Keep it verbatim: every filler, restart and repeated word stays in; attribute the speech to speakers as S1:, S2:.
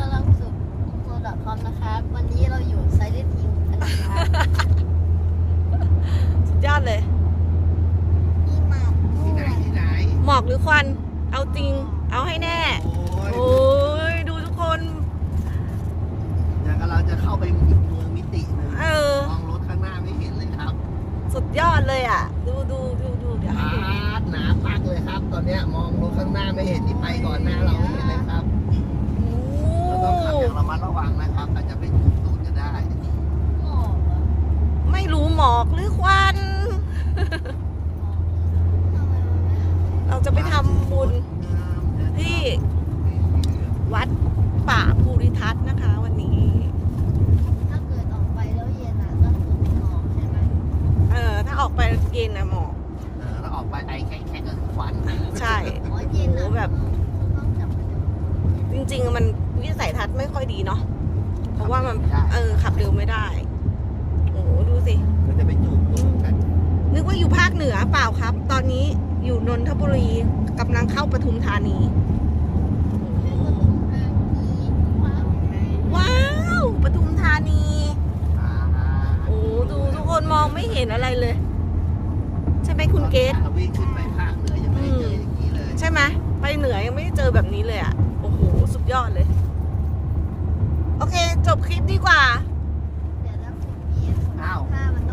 S1: ต้อนรับสู่โซดาคอมนะครับวันนี้เราอยู่ไซเลนทิงกันนะครับ
S2: สุดยอดเลย
S1: มีหมากด้
S3: ที่
S1: ว
S3: ไหน
S1: ย
S3: ที่ไหน
S2: หมอกหรือควัน เอาจริง เอาให้แน่
S3: โอ้ย
S2: โอ้ย ดูทุกคน
S3: อย่างกับเราจะเข้าไปอีกเมืองมิติหนึ่ง
S2: เออ
S3: มองรถข้างหน้าไม่เห็นเลยครับ
S2: สุดยอดเลยอ่ะ ดูดูดูดูเดี๋ยวให้
S3: ปา
S2: ดู
S3: ดหนาปักเลยครับ ตอนเนี้ยมองรถข้างหน้าไม่เห็นที่ไปก่อนหน้าเราไม่เห็นเลยครับ
S2: โอ้
S3: เราต้องขับอย่างระมัดระวังนะครับ อาจจะไปถูกตูดก็ได้
S1: หมอกเหรอ
S2: ไม่รู้หมอกหรือควัน
S1: ทำไมมันไม่หาย
S2: เราจะไปทำบุญที่วัดป่าภูริทัศน์นะคะ วันนี้
S1: ถ้าเกิดออกไปแล้วเย็นอ่ะก็คือไม่หมอกใช่ไหม
S2: เออ ถ้าออกไปเย็นนะหมอก
S3: เออแล้วออกไปไอแค่แค่ก็คือควัน
S2: ใช่
S1: อ๋อเย็นอ่ะ
S2: โอ้แบบ
S1: ต้องจับมาดู
S2: จริงๆ มันวิสัยทัศน์ไม่ค่อยดีเนาะ เพราะว่ามัน เออ ขับเร็วไม่ได้ โอ้โหดูสิ
S3: ก็จะไปจูบตูดกัน
S2: นึกว่าอยู่ภาคเหนือเปล่าครับ ตอนนี้อยู่นนทบุรีกำลังเข้าปทุมธานี
S1: แล้วก็ตรงทางนี้ว้าว
S2: ว้าว ปทุมธานี
S3: อ่า
S2: โอ้ดูทุกคนมองไม่เห็นอะไรเลย ใช่ไหมคุณเกต
S3: ตอนวิ่งขึ้นไปภาคเหนือยังไม่ได้เจออย่างนี้เลย
S2: ใช่ไหมไปเหนือยังไม่ได้เจอแบบนี้เลยอ่ะ โอ้โห สุดยอดเลย โอเค จบคลิปดีกว่า
S1: เดี๋ยวถ้าคุณเย็นถ้ามัน